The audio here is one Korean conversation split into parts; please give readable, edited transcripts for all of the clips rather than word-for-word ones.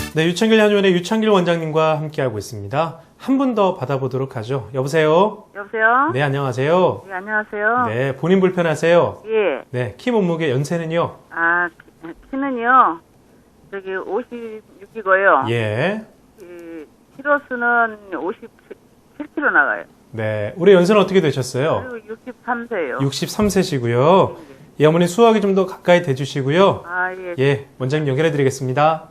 네, 유창길 한의원의 유창길 원장님과 함께하고 있습니다. 한 분 더 받아보도록 하죠. 여보세요? 여보세요? 네, 안녕하세요. 네, 안녕하세요. 네, 본인 불편하세요? 예. 네, 키 몸무게 연세는요? 키는요, 저기 56이고요. 예. 키로수는 57kg 나가요. 네, 올해 연세는 어떻게 되셨어요? 그리고 63세요. 63세시고요. 예, 어머니 수화기 좀 더 가까이 대주시고요. 예. 예, 원장님 연결해 드리겠습니다.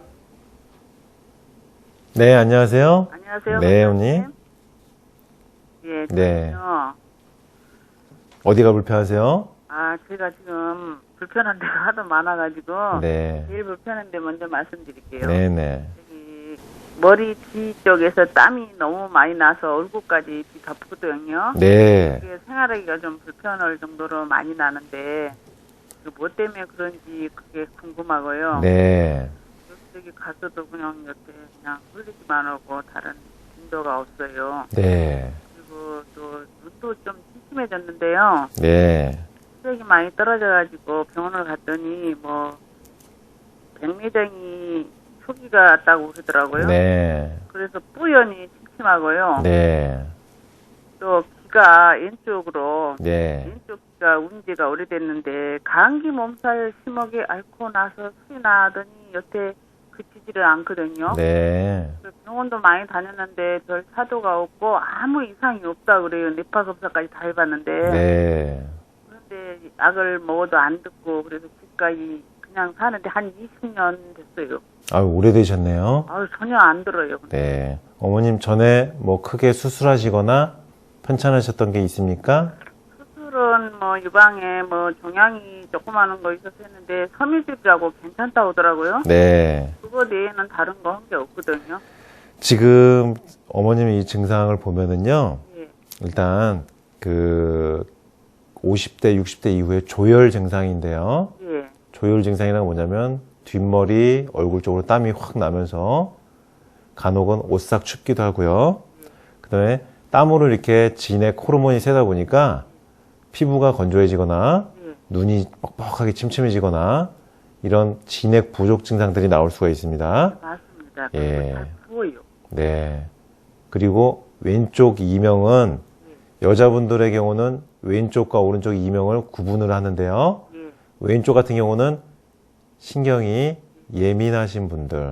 네, 안녕하세요. 안녕하세요. 네, 원장님. 언니. 예, 네. 저는요, 어디가 불편하세요? 제가 지금 불편한 데가 하도 많아가지고, 네. 제일 불편한 데 먼저 말씀드릴게요. 네네. 저기, 머리 뒤 쪽에서 땀이 너무 많이 나서 얼굴까지 뒤 덮거든요. 네. 그게 생활하기가 좀 불편할 정도로 많이 나는데 뭐 때문에 그런지 그게 궁금하고요. 네. 여기 가서도 그냥 이렇게 그냥 흘리기만 하고 다른 진도가 없어요. 네. 그리고 또 눈도 좀 침침해졌는데요. 네. 시력이 많이 떨어져가지고 병원을 갔더니 뭐 백내장이 초기가 왔다고 그러더라고요. 네. 그래서 뿌연히 침침하고요. 네. 또 귀가 왼쪽으로 네. 왼쪽 귀가 운 지가 오래됐는데 감기 몸살 심하게 앓고 나서 술이 나더니 여태 그치지를 않거든요. 네. 그래서 병원도 많이 다녔는데 별 사도가 없고 아무 이상이 없다 그래요. 뇌파 검사까지 다 해봤는데 네. 그런데 약을 먹어도 안 듣고 그래서 지금까지 그냥 사는데 한 20년 됐어요. 아유, 오래되셨네요. 전혀 안 들어요. 네. 어머님 전에 뭐 크게 수술하시거나 편찮으셨던 게 있습니까? 수술은 뭐 유방에 뭐 종양이 조그마한 거 있어서 했는데 섬유질이라고 괜찮다고 하더라고요. 네. 그거 외에는 다른 거 한 게 없거든요. 지금 어머님의 이 증상을 보면은요. 예. 일단 그 50대, 60대 이후에 조열 증상인데요. 예. 조열 증상이란 뭐냐면 뒷머리, 얼굴 쪽으로 땀이 확 나면서 간혹은 오싹 춥기도 하고요. 그 다음에 땀으로 이렇게 진액 호르몬이 새다 보니까 피부가 건조해지거나 예. 눈이 뻑뻑하게 침침해지거나 이런 진액 부족 증상들이 나올 수가 있습니다. 맞습니다. 예. 다 부어요. 네. 그리고 왼쪽 이명은 여자분들의 경우는 왼쪽과 오른쪽 이명을 구분을 하는데요. 예. 왼쪽 같은 경우는 신경이 예민하신 분들,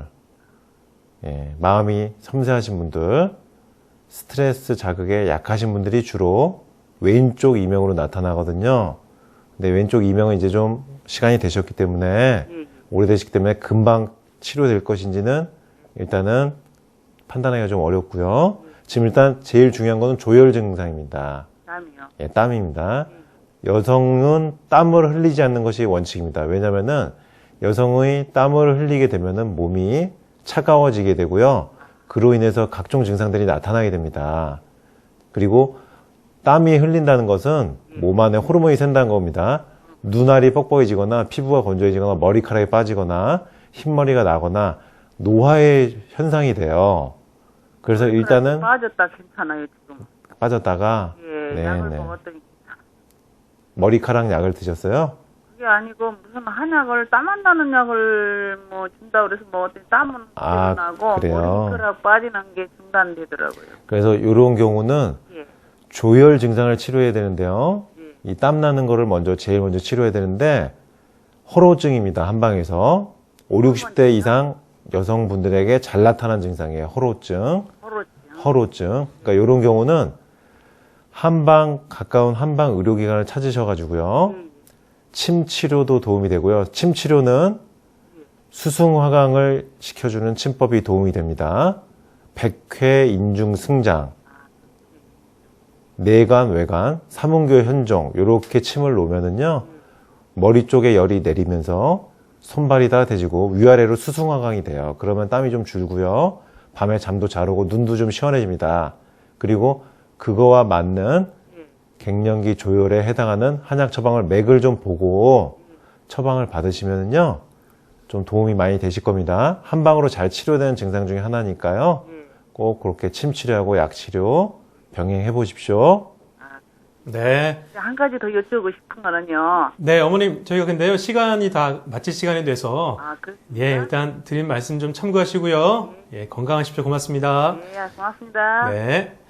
예, 마음이 섬세하신 분들, 스트레스 자극에 약하신 분들이 주로 왼쪽 이명으로 나타나거든요. 근데 왼쪽 이명은 이제 좀 시간이 되셨기 때문에, 예. 오래되셨기 때문에 금방 치료될 것인지는 일단은 판단하기가 좀 어렵고요. 지금 일단 제일 중요한 거는 조열 증상입니다. 땀이요. 예, 땀입니다. 여성은 땀을 흘리지 않는 것이 원칙입니다. 왜냐면은 여성의 땀을 흘리게 되면은 몸이 차가워지게 되고요. 그로 인해서 각종 증상들이 나타나게 됩니다. 그리고 땀이 흘린다는 것은 몸 안에 호르몬이 샌다는 겁니다. 눈알이 뻑뻑해지거나 피부가 건조해지거나 머리카락이 빠지거나 흰머리가 나거나 노화의 현상이 돼요. 그래서 일단은 빠졌다 괜찮아요 지금. 빠졌다가 예. 약을 먹었더니 머리카락 약을 드셨어요? 그게 아니고 무슨 한약을 땀 안 나는 약을 뭐 준다 그래서 먹었더니 땀은 나고 그래요? 머리카락 빠지는 게 중단되더라고요. 그래서 이런 경우는 예. 조열 증상을 치료해야 되는데요. 예. 이 땀 나는 거를 제일 먼저 치료해야 되는데 허로증입니다. 한방에서 5, 60대 이상 여성분들에게 잘 나타난 증상이에요. 허로증. 허로증. 그러니까 이런 경우는 가까운 한방 의료기관을 찾으셔가지고요. 침 치료도 도움이 되고요. 침 치료는 수승화강을 시켜주는 침법이 도움이 됩니다. 백회 인중 승장, 내관, 외관, 삼음교 현종 이렇게 침을 놓으면은요 머리 쪽에 열이 내리면서 손발이 다 대지고 위아래로 수승화강이 돼요. 그러면 땀이 좀 줄고요. 밤에 잠도 잘 오고 눈도 좀 시원해집니다. 그리고 그거와 맞는 갱년기 조열에 해당하는 한약 처방을 맥을 좀 보고 처방을 받으시면은요 좀 도움이 많이 되실 겁니다. 한방으로 잘 치료되는 증상 중에 하나니까요. 꼭 그렇게 침 치료하고 약 치료 병행해 보십시오. 네. 한 가지 더 여쭈고 싶은 거는요. 네, 어머님, 저희가 근데요, 시간이 다 마칠 시간이 돼서, 아, 그렇습니까? 예, 일단 드린 말씀 좀 참고하시고요. 예, 건강하십시오. 고맙습니다. 네, 고맙습니다. 네.